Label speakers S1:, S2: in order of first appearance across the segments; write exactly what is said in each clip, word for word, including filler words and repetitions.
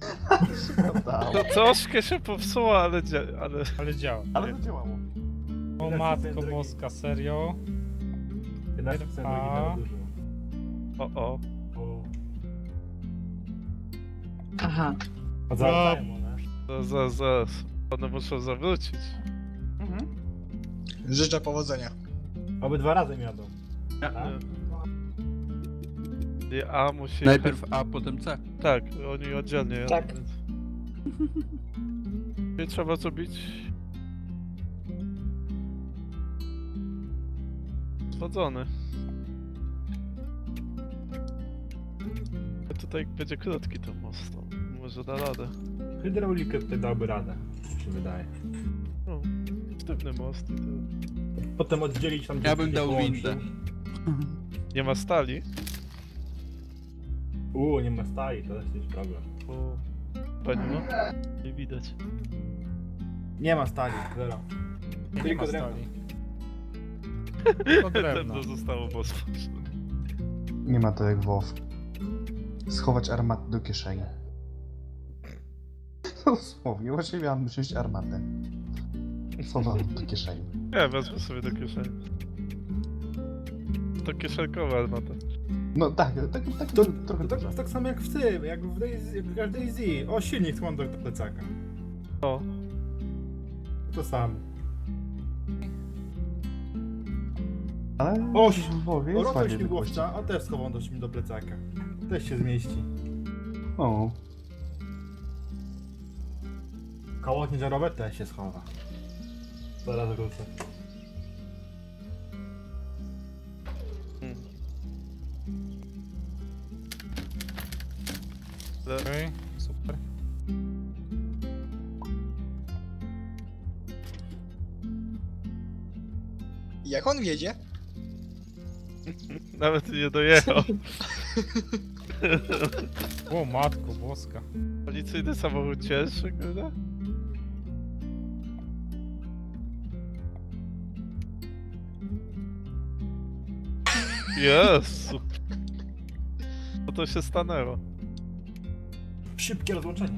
S1: Prawda.
S2: To troszkę się popsuło, ale, dzia- ale...
S3: Ale działa.
S1: Ale to działało.
S3: O matko boska, serio?
S4: jedenaście procent
S3: A.
S4: oryginału dużo.
S2: O, o.
S4: O.
S5: Aha.
S4: A zawracają one.
S2: Zaraz, zaraz, zaraz. One muszą zawrócić.
S1: Mhm.
S6: Życzę powodzenia.
S4: Oby dwa razy jadą. Tak?
S2: I A musi...
S7: Najpierw A, potem C.
S2: Tak, oni oddzielnie jadą,
S5: Tak.
S2: więc... I trzeba zrobić... Zwodzony. A tutaj będzie krótki ten most, to może da radę.
S4: Hydraulikę tutaj dałby radę, mi się wydaje.
S2: No, sztywny most i to...
S4: Potem oddzielić tam...
S7: Ja bym
S4: gdzie
S7: dał
S4: połączy.
S7: windę.
S2: Nie ma stali?
S4: Uuu, nie ma stali, to też jest problem.
S2: O, pani ma? Nie widać.
S4: Nie ma stali, zero.
S3: Nie, nie
S4: Tylko
S3: ma
S4: drewno.
S3: stali. Tylko drewno.
S2: To zostało mocno.
S1: Nie ma to jak WoW. Schować armatę do kieszeni. Dosłownie, właśnie miałem wziąć armatę. Schowałem do kieszeni.
S2: Ja wezmę sobie do kieszeni. To kieszenkowa armata.
S1: No tak, tak, tak,
S4: To,
S1: trochę
S4: to,
S1: dużo.
S4: tak, tak samo jak w tym, jak w Daisy, jak w każdej Z. O, silnik skłonny do plecaka.
S2: O,
S4: To samo.
S1: Ale
S4: O,
S1: w WoWie
S4: O,
S1: jest
S4: rotor
S1: fajnie
S4: śmigłowca, a też schowam do, do plecaka. Też się zmieści.
S1: O,
S4: Koło ciężarowe też się schowa. Zaraz wrócę.
S2: hmm.
S3: Okej, super.
S6: Jak on wiedzie?
S2: Nawet nie dojechał.
S3: O matko boska.
S2: Policyjny samochód cięższy, kurde? Jezu. Co to się stanęło?
S4: Szybkie rozłączenie.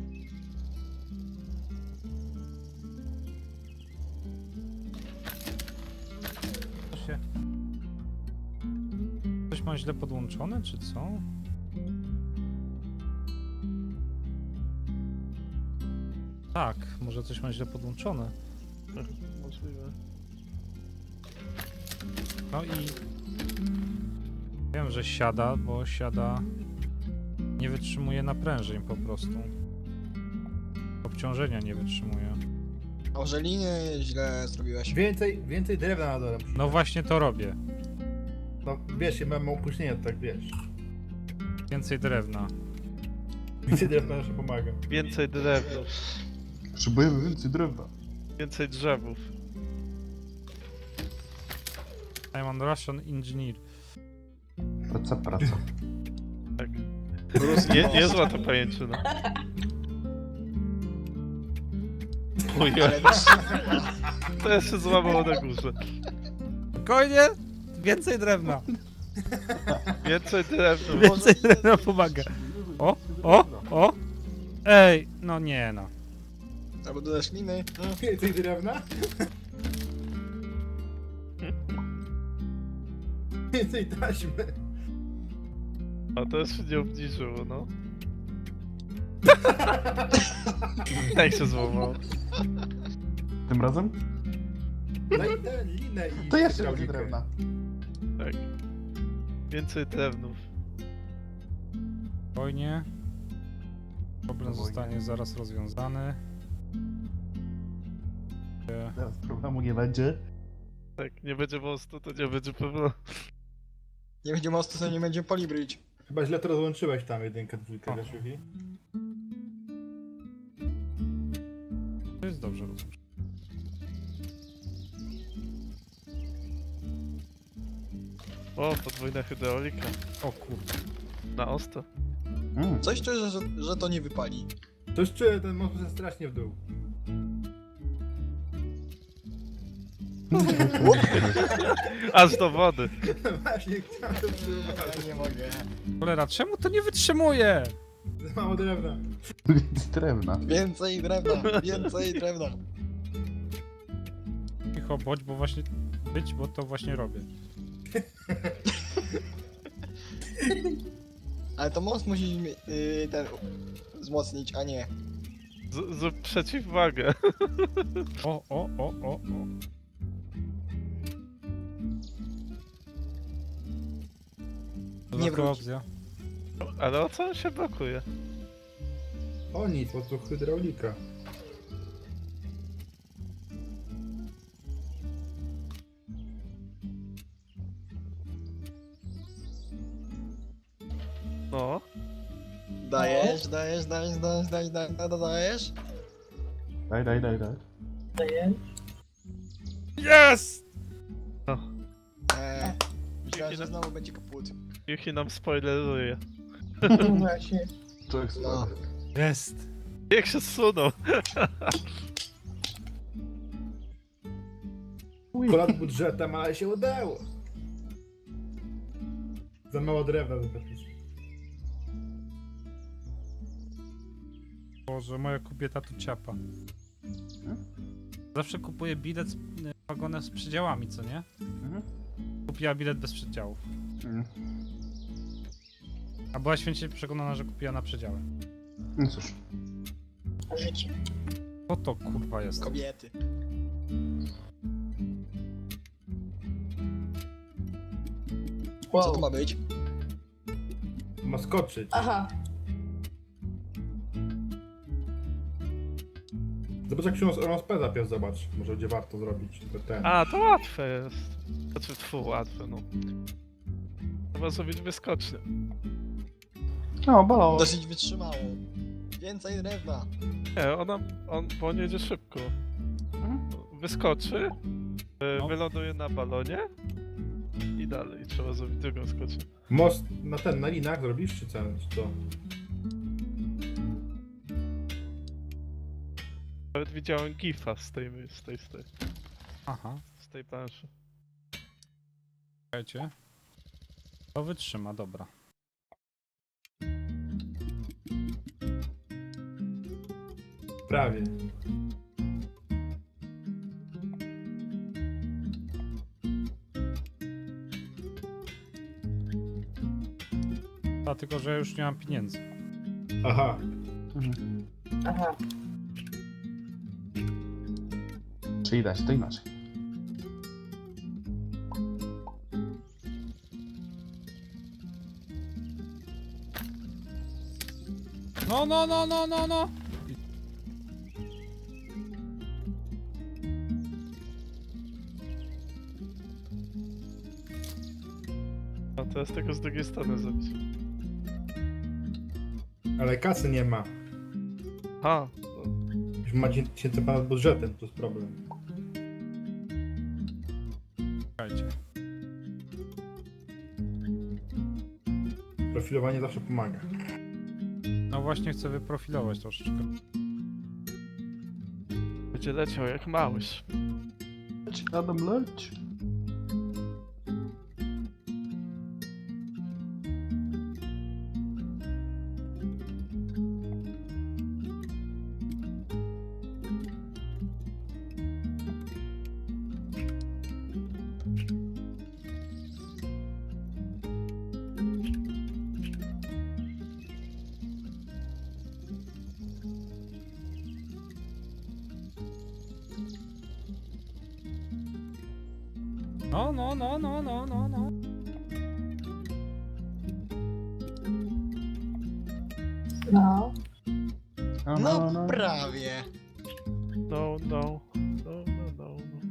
S3: To się... Coś ma źle podłączone, czy co? Tak, może coś ma źle podłączone.
S2: Możliwe.
S3: No i... Wiem, że siada, bo siada... Nie wytrzymuje naprężeń po prostu. Obciążenia nie wytrzymuje.
S6: Może linię źle zrobiłeś.
S4: Więcej, więcej drewna na dole.
S3: No właśnie to robię.
S4: No wiesz, ja mam opóźnienie, to tak wiesz.
S3: Więcej drewna.
S4: Więcej drewna jeszcze pomaga.
S2: Więcej drewna.
S1: potrzebujemy więcej drewna.
S2: Więcej drzewów.
S3: I'm on Russian engineer.
S1: Praca, praca.
S2: Tak. Nie, niezła to pajęczyna. Ujej,
S6: Ale
S2: to ja się złamało na górze.
S3: Spokojnie! Więcej drewna.
S2: Więcej drewna.
S3: Więcej drewna pomaga. O, o, o! Ej, no nie no.
S6: albo dodasz liny.
S4: Więcej drewna? Więcej taśmy.
S2: A to się nie obniżyło, no. Jak się złamało?
S1: Tym razem?
S4: Daj tę linę i...
S1: To jeszcze więcej
S4: hydraulikę.
S1: drewna.
S2: Tak. Więcej drewnów.
S3: Spokojnie. Problem
S1: Spokojnie.
S3: zostanie zaraz rozwiązany. E,
S1: Teraz problemu nie będzie.
S2: Tak, nie będzie mostu, to nie będzie pewno.
S6: Nie będzie mostu, to nie będzie polibryć.
S4: Chyba źle to rozłączyłeś tam jedynkę, dwójkę, wiesz, Yuki?
S3: To jest dobrze rozumiem.
S2: O, podwójna hydraulika.
S3: O kurde.
S2: Na ostro.
S1: Mm.
S6: Coś czuję, że, że to nie wypali.
S4: Coś czuję, ten most jest strasznie w dół.
S2: Aż do wody.
S4: Właśnie chciałem to przyjmować.
S6: Ja nie mogę.
S3: Cholera, czemu to nie wytrzymuje?
S4: Za mało drewna.
S1: Więcej drewna.
S6: Więcej drewna, więcej drewna.
S3: Cicho, bądź, bo właśnie... Być, bo to właśnie robię.
S6: Ale to most musi yy, ten wzmocnić, a nie.
S2: Z, zrób przeciwwagę.
S3: O, o, o, o, o. To
S6: Nie
S3: taka
S6: wróć.
S3: opcja.
S2: Ale o co on się blokuje?
S4: O nic, po prostu hydraulika.
S2: No.
S6: Dajesz, dajesz, dajesz, dajesz, dajesz, dajesz, dajesz, dajesz.
S1: Daj, daj, daj, daj.
S3: Jest!
S6: Eee, myślałem, że znowu będzie kaput.
S2: Yuki nam spoileruje.
S5: Właśnie.
S1: To jest
S6: No.
S3: Jest!
S2: Jak się zsunął?
S4: Ponad budżetem, ale się udało. Za mało drewna do zapisu.
S3: Boże, moja kobieta tu ciapa. Zawsze kupuję bilet z y, wagonem z przedziałami, co nie?
S1: Mhm.
S3: Kupiła bilet bez przedziałów.
S1: Mm.
S3: A była święcie przekonana, że kupiła na przedziale.
S1: No cóż.
S5: Życie.
S3: Co to kurwa jest?
S6: Kobiety. Co to
S5: Wow.
S6: ma być?
S4: Ma skoczyć.
S5: Aha.
S4: Zobacz jak się roz- rozpędza pies, zobacz. Może będzie warto zrobić to ten.
S2: A, to łatwe jest. Znaczy, tfu, łatwe, no. Trzeba zrobić wyskocznię.
S1: No, bolało.
S6: Dosyć wytrzymało. Więcej drewna.
S2: Nie, ona, on, bo on jedzie szybko.
S1: Mhm.
S2: Wyskoczy, y,
S3: No.
S2: wyląduje na balonie i dalej trzeba zrobić drugą skocznię.
S4: Most na ten, na linach zrobisz, czy co? Czy co?
S2: Nawet widziałem gifa z tej, z tej, z tej,
S3: Aha,
S2: z tej planszy.
S3: czekajcie. To wytrzyma, dobra.
S4: Prawie.
S3: A tylko, że ja już nie mam pieniędzy.
S4: Aha.
S1: Mhm.
S5: Aha.
S1: Czyli dać to inaczej.
S3: No, no, no, no, no, no!
S2: A teraz tego z drugiej strony zrobić.
S4: Ale kasy nie ma.
S2: A,
S4: Już ma tysięcy ponad budżetem, to jest problem.
S3: Czekajcie.
S4: Profilowanie zawsze pomaga.
S3: No właśnie chcę wyprofilować troszeczkę.
S2: będzie leciał jak małyż.
S1: Leć, Adam, leć.
S3: No, no, no, no, no, no, no.
S5: No.
S1: No,
S6: No prawie.
S2: No, no, no, no, no, no.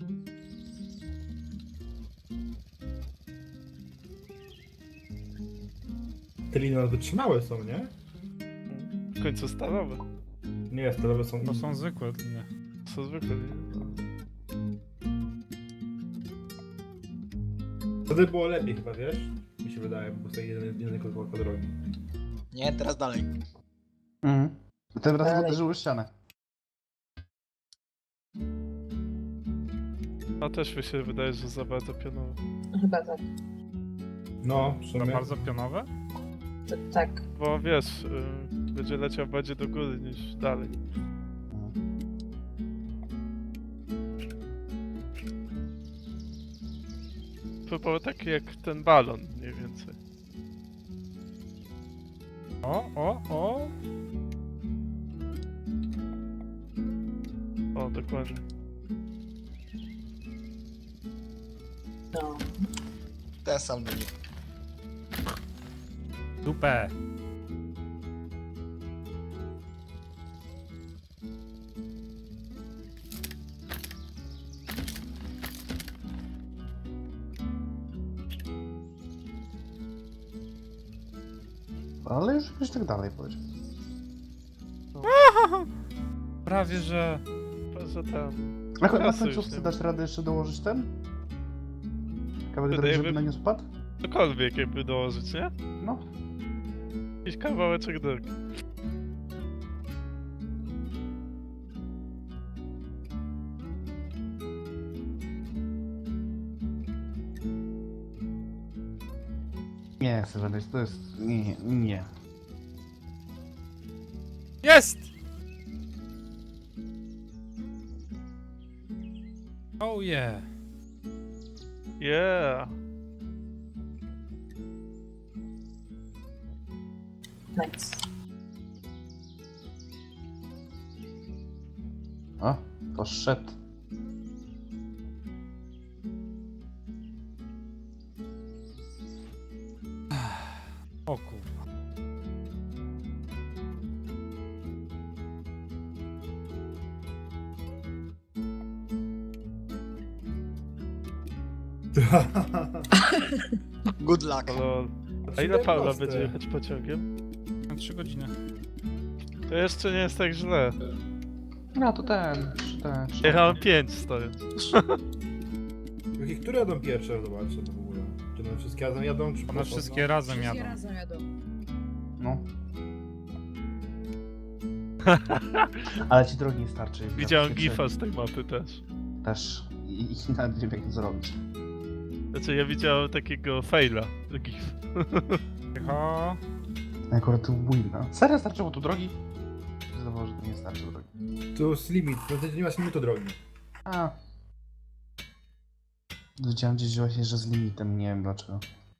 S4: Te linie nas wytrzymałe są, nie?
S2: W końcu stalowe.
S4: Nie, stalowe są...
S3: To są zwykłe linie.
S2: To są zwykle linie. No.
S4: Wtedy było lepiej chyba, wiesz? Mi się wydaje, bo sobie jeden, jeden kawałek drogi.
S6: Nie, teraz dalej.
S1: Mhm. Ten raz
S5: Dalej.
S1: uderzyły w ścianę.
S2: A też mi się wydaje, że za bardzo pionowo.
S5: Chyba tak.
S4: No, w
S3: To
S4: sumie.
S3: bardzo pionowe?
S5: T- tak.
S2: Bo wiesz, y, będzie leciał bardziej do góry niż dalej. To było takie jak ten balon mniej więcej.
S3: O, o, o.
S2: O, dokładnie.
S5: No.
S6: Ten sam wynik.
S3: Dupę.
S1: Ale już jakoś tak dalej powiedział.
S3: Prawie, że...
S2: Chyba, że tam.
S1: A, a
S2: Czasu już
S1: końcówce
S2: nie
S1: dasz radę jeszcze dołożyć ten? Kawałek
S2: Wydaje
S1: drogi, żeby
S2: mi-
S1: na nie spadł?
S2: Cokolwiek jakby dołożyć, nie?
S1: No.
S2: Jakiś kawałeczek drogi.
S1: Nie chcę żadnej, to jest... Nie, nie.
S3: Jest! Oh yeah.
S2: Yeah!
S5: Nice.
S1: O, poszedł.
S3: O kurwa.
S6: Good luck.
S2: Lol. A ile Paula będzie jechać pociągiem?
S3: Na trzy godziny.
S2: To jeszcze nie jest tak źle.
S1: No to ten, ten...
S2: Jechałem pięć stojąc.
S4: Jakie, które jadą pierwsze? Zobaczę to w ogóle. Czy one wszystkie razem jadą? Czy
S3: One
S4: po
S3: wszystkie razem jadą.
S5: razem jadą.
S1: No. Ale ci drogi nie starczy.
S2: Widziałem
S1: Praktycznie
S2: gifa z tej mapy też.
S1: Też. I, i nawet nie wiem jak to zrobić.
S2: Znaczy ja widziałem takiego faila. Gif.
S3: Cicho.
S1: Akurat tu wina. Serio starczyło tu drogi? Zdawało, że to nie starczy drogi.
S4: To jest limit, to ty nie masz limitu drogi.
S1: A. Widziałem gdzieś właśnie, że z limitem, nie wiem dlaczego.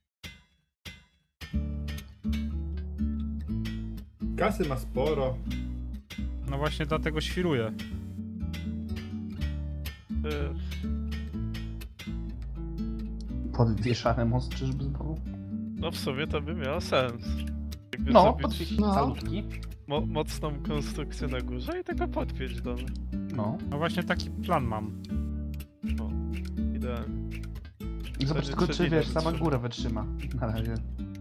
S4: Kasy ma sporo.
S3: No właśnie dlatego świruję.
S2: Y,
S1: Podwieszany most czyżby znowu?
S2: No w sumie to by miało sens. Jakby
S1: No,
S2: zrobić
S1: podwieźć
S5: No.
S1: salutki.
S2: mo mocną konstrukcję na górze i tego podpiąć do mnie.
S1: No.
S3: No właśnie taki plan mam.
S2: O, idealnie.
S1: I zobacz
S2: Wtedy
S1: tylko, czy
S2: trzeci
S1: wiesz,
S2: raz
S1: sama
S2: wytrzyma.
S1: góra wytrzyma. Na razie.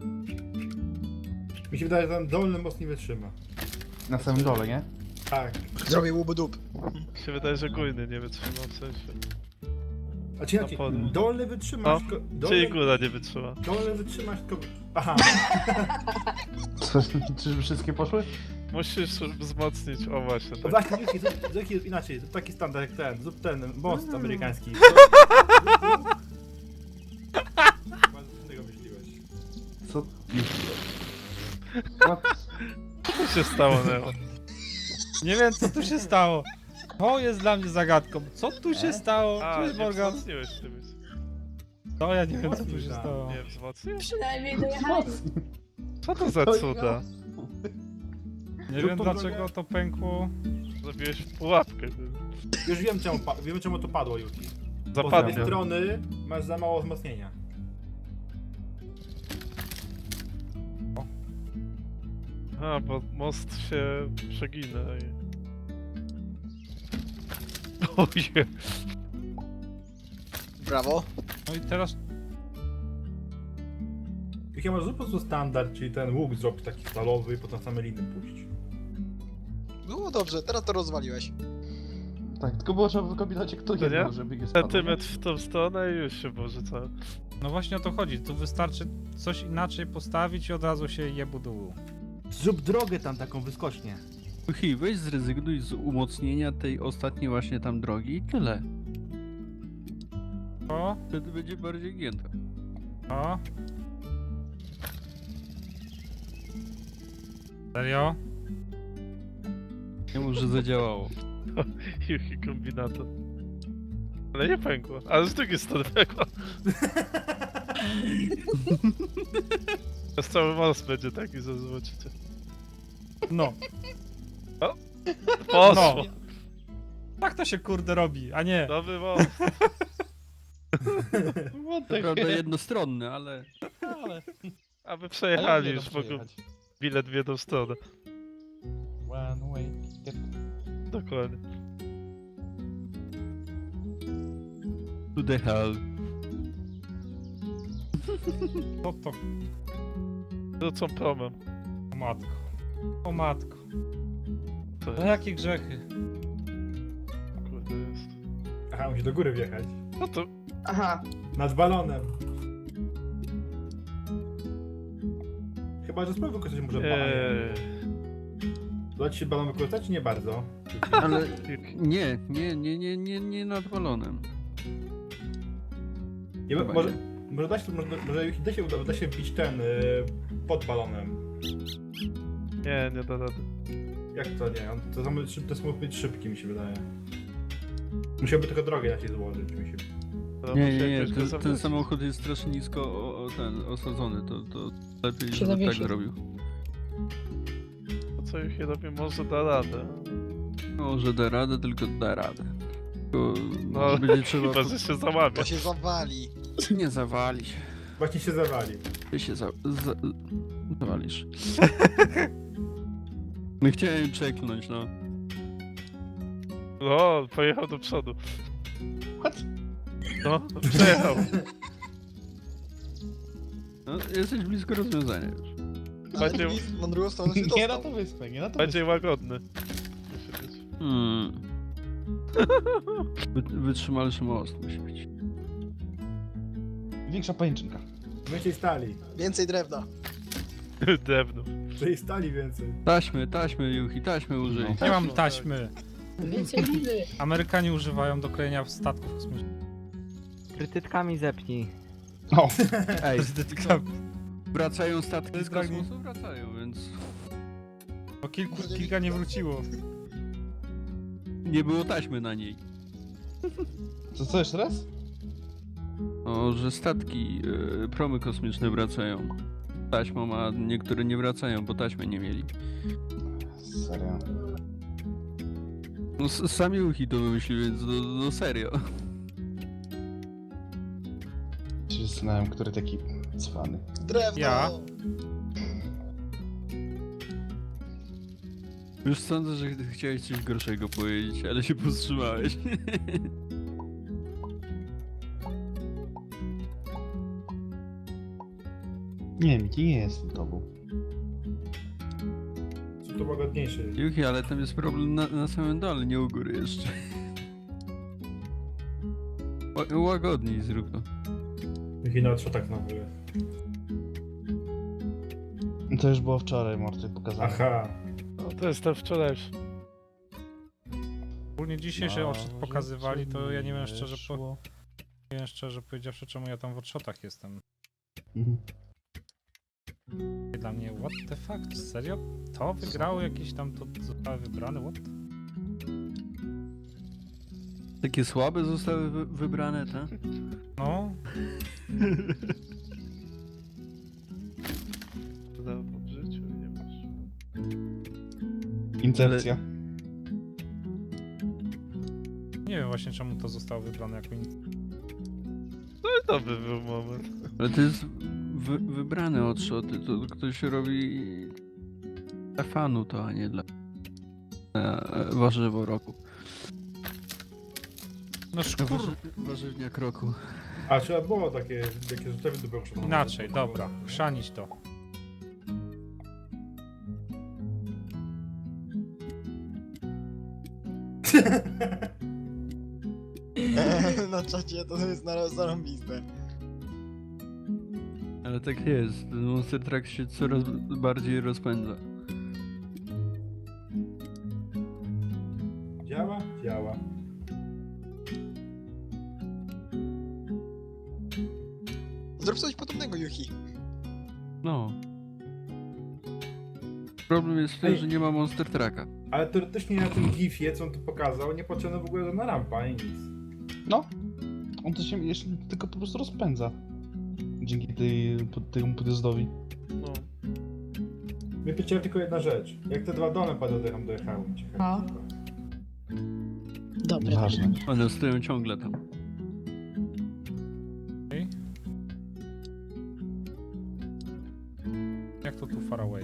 S4: Mi się wydaje, że ten dolny most nie wytrzyma.
S1: Na samym dole, nie?
S4: Tak.
S6: Zrobię łubu dup.
S2: Mi się wydaje, że gójny nie wytrzymał w sensie.
S4: A czy
S2: Na
S4: jak
S2: podwórzu.
S4: dolny
S2: No,
S4: wytrzymasz, tylko...
S2: Czyli
S4: Dolny,
S2: góra nie wytrzyma.
S4: dolny wytrzymasz, tylko... Aha.
S1: Co, czyżby wszystkie poszły?
S2: Musisz wzmocnić, o właśnie,
S4: To
S2: tak.
S4: właśnie, Yuki, zrób, zrób inaczej, zrób taki standard jak ten, zrób ten most amerykański. Bardzo innego myśliłeś.
S1: Co? What?
S2: Co się stało, Neo?
S3: Nie wiem co tu się stało. To jest dla mnie zagadką. Co tu się stało?
S2: A,
S3: Cześć
S2: nie
S3: Morgan.
S2: wzmocniłeś ty być.
S3: To ja nie wiem co tu się stało.
S2: Nie wzmocnił?
S5: Przynajmniej dojechali.
S2: Co to za cuda?
S3: Nie wiem dlaczego to pękło.
S2: Zrobiłeś pułapkę. Ty.
S4: Już wiem czemu, pa- wiem czemu to padło, Yuki. Bo z tej
S2: Zapadnie.
S4: strony masz za mało wzmocnienia.
S2: A, bo most się przegina i... Oje.
S6: Brawo.
S3: No i teraz
S4: Yuki, może zrób po prostu standard, czyli ten łuk zrobić taki stalowy i potem same liny puścić.
S6: Było dobrze, teraz to rozwaliłeś.
S1: Tak, tylko było trzeba wykombinować kto
S2: To nie?
S1: jedno, żeby nie spadło.
S2: Centymetr w tą stronę i już się może co.
S3: no właśnie o to chodzi. Tu wystarczy coś inaczej postawić i od razu się jebu dół.
S4: Zrób drogę tam taką wyskocznie.
S7: Hi, weź zrezygnuj z umocnienia tej ostatniej właśnie tam drogi i tyle.
S3: O,
S7: Wtedy będzie bardziej gięta.
S3: o. Serio?
S7: Nie mów, że zadziałało.
S2: Juchi kombinator. Ale nie pękło, ale z drugiej strony pękło. Teraz cały most będzie taki, że zobaczycie.
S3: No.
S2: Poszło!
S3: No. Tak to się kurde robi, a nie.
S2: Nowy most!
S6: What
S7: To
S6: the
S7: prawda
S6: heck?
S7: jednostronny, ale...
S6: Ale...
S2: A wy
S6: Ale
S2: przejechali
S6: nie
S2: już
S6: da
S2: w ogóle
S6: przejechać.
S2: bilet w jedną stronę.
S6: One way ticket.
S2: Dokładnie.
S7: To the hell.
S3: To to.
S2: Wrócą promem.
S3: O matko. O matko.
S2: To
S3: No
S2: jest,
S3: jakie grzechy.
S2: kurde jest.
S4: Aha, musi do góry wjechać.
S2: No to
S5: Aha.
S4: Nad balonem. Chyba, że spróbuj wykorzystać może balon.
S2: Eee,
S4: Uda ci się balon wykorzystać, czy nie bardzo?
S7: Ale
S2: Juchi.
S7: nie, nie, nie, nie, nie, nie nad balonem.
S4: Nie,
S7: Chyba
S4: może,
S7: nie.
S4: może da się, może, może da się, uda się wbić ten, y, pod balonem.
S2: Nie, nie da rady.
S4: Jak to nie? On, to, samo- to jest być szybki, mi się wydaje. Musiałby tylko drogę inaczej złożyć, mi się.
S2: To
S7: Nie,
S2: musi
S7: nie, nie,
S2: jakoś go
S7: ten, ten
S2: zawrócić.
S7: samochód jest strasznie nisko o, o, ten, osadzony, to, to lepiej,
S5: Się
S7: żeby tak
S5: zawiesi.
S7: zrobił.
S2: To co Juchi robi, może da radę.
S7: Może da radę, tylko da radę. Tylko
S2: No,
S7: będzie trzeba...
S2: chyba, że się załamie.
S6: To się zawali.
S7: Nie zawali się.
S4: Właśnie się zawali.
S7: Ty się za... za... zawalisz. No chciałem przeklnąć, no.
S2: No, pojechał do przodu. What? No, przejechał.
S7: no. Jesteś blisko rozwiązania już.
S6: Ale
S2: Będzie-
S6: nic, na drugą stronę się
S8: Nie na
S6: dostał.
S8: to wyspę, nie na to
S2: Będzie łagodny. Musi być.
S7: Hmm. Wy, wytrzymalszy most musi być.
S8: wyspę. Większa pajęczynka.
S4: Więcej stali.
S6: Więcej drewna.
S2: Drewno.
S4: Tej stali więcej.
S7: Taśmy, taśmy, Juchi, taśmy użyj.
S8: No.
S3: Nie mam taśmy.
S5: Więcej widy.
S3: Amerykanie używają do krojenia statków kosmicznych.
S9: Krytytkami zepnij.
S8: O,
S7: Ej,
S3: Prezydentka.
S7: wracają statki z
S3: Zgadnij.
S7: kosmosu? Wracają, więc...
S3: Bo kilku, kilka nie wróciło.
S7: Nie było taśmy na niej.
S8: co, co jeszcze raz?
S7: O, że statki, e, promy kosmiczne wracają. Taśmą, a niektóre nie wracają, bo taśmy nie mieli.
S8: Serio.
S7: No s- sami Uchi to wymyślili, więc no, no serio.
S8: Się zastanawiam, który taki cwany.
S6: Drewno!
S3: Ja?
S7: Już sądzę, że ch- chciałeś coś gorszego powiedzieć, ale się powstrzymałeś.
S8: Nie wiem, nie jestem tobą.
S4: Są to łagodniejsze.
S7: Juchi, ale tam jest problem na, na samym dole, nie u góry jeszcze. Ła- Łagodniej zrób to.
S4: Jaki na trzotach znowu jest.
S8: To już było wczoraj, Morty, pokazane.
S4: Aha.
S2: No, to jest ten wczorajszy.
S3: Ogólnie dzisiejszy
S8: No,
S3: odszot pokazywali, to ja nie wiem szczerze, po,
S8: wyszło.
S3: nie wiem szczerze powiedziawszy, czemu ja tam w odszotach jestem.
S8: Mhm.
S3: Dla mnie, what the fuck? Serio? To wygrało jakieś tam, to zostały wybrane? What?
S7: Takie słabe zostały wy wybrane, tak?
S3: No,
S2: Dawno w życiu nie masz.
S8: Incepcja.
S3: nie wiem właśnie czemu to zostało wybrane jako in...
S2: No i to by był moment.
S7: Ale to jest wy wybrane odszoty, to ktoś robi dla fanu to, a nie dla e, warzywo roku.
S3: No szkur...
S7: Warzy warzywniak roku.
S4: A trzeba było takie, takie rzeczy do było
S3: Inaczej, dobra, chrzanić to.
S6: Na czacie to jest na zarąbiste.
S7: Ale tak jest, ten Monster Truck się coraz bardziej rozpędza.
S4: Działa? Działa.
S6: Zrób coś podobnego, Yuki.
S7: No. Problem jest w tym,
S4: Ej.
S7: że nie ma Monster Trucka.
S4: Ale teoretycznie na tym gifie, co on tu pokazał, nie potrzebna w ogóle żadna rampa, ani nic.
S8: No. On to się jeszcze tylko po prostu rozpędza. Dzięki tej, po- temu podjazdowi.
S2: No.
S4: Mnie pytała tylko jedna rzecz. Jak te dwa dolne padły, tam dojechały.
S5: A. Dobra.
S8: Ważne.
S7: One stoją ciągle tam.
S3: Okej. Jak to tu far away?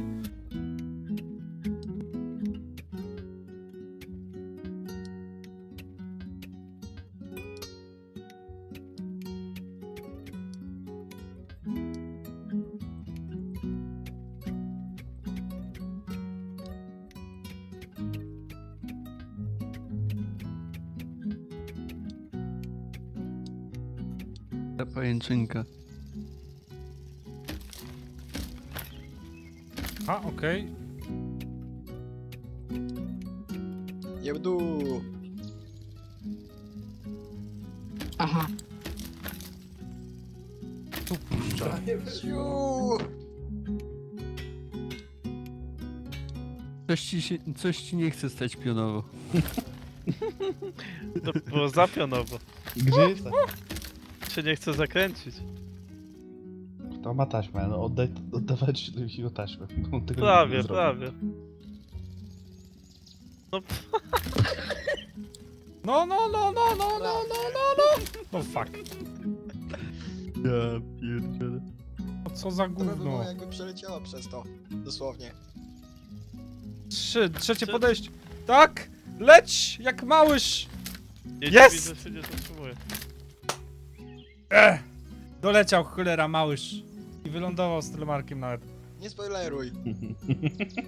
S7: Ta pajęczynka.
S3: A, okej.
S6: Jebdu!
S5: Aha.
S3: Tu puszcza.
S6: Ciu!
S7: Coś ci, się, coś ci nie chce stać pionowo.
S2: To było zapionowo.
S8: Gdzie jest ta?
S2: Się nie chce zakręcić.
S8: To ma taśmę, no oddaj, oddawać jego taśmę. bo on tego
S2: Prawie,
S8: nie zrobi.
S2: prawie. No,
S3: No, no, no, no, no, no, no, no, no. No fuck.
S7: Ja pierdzielę.
S3: No co za
S6: To by było
S3: gówno.
S6: jakby przeleciała przez to. Dosłownie.
S3: Trzy, trzecie
S2: Trzy.
S3: podejście. Tak! Leć! Jak małyż!
S2: nie
S3: Jest!
S2: dziwi, że się nie zatrzymuje.
S3: Ech! Doleciał cholera małyż. I wylądował z telemarkiem nawet.
S6: Nie spoileruj.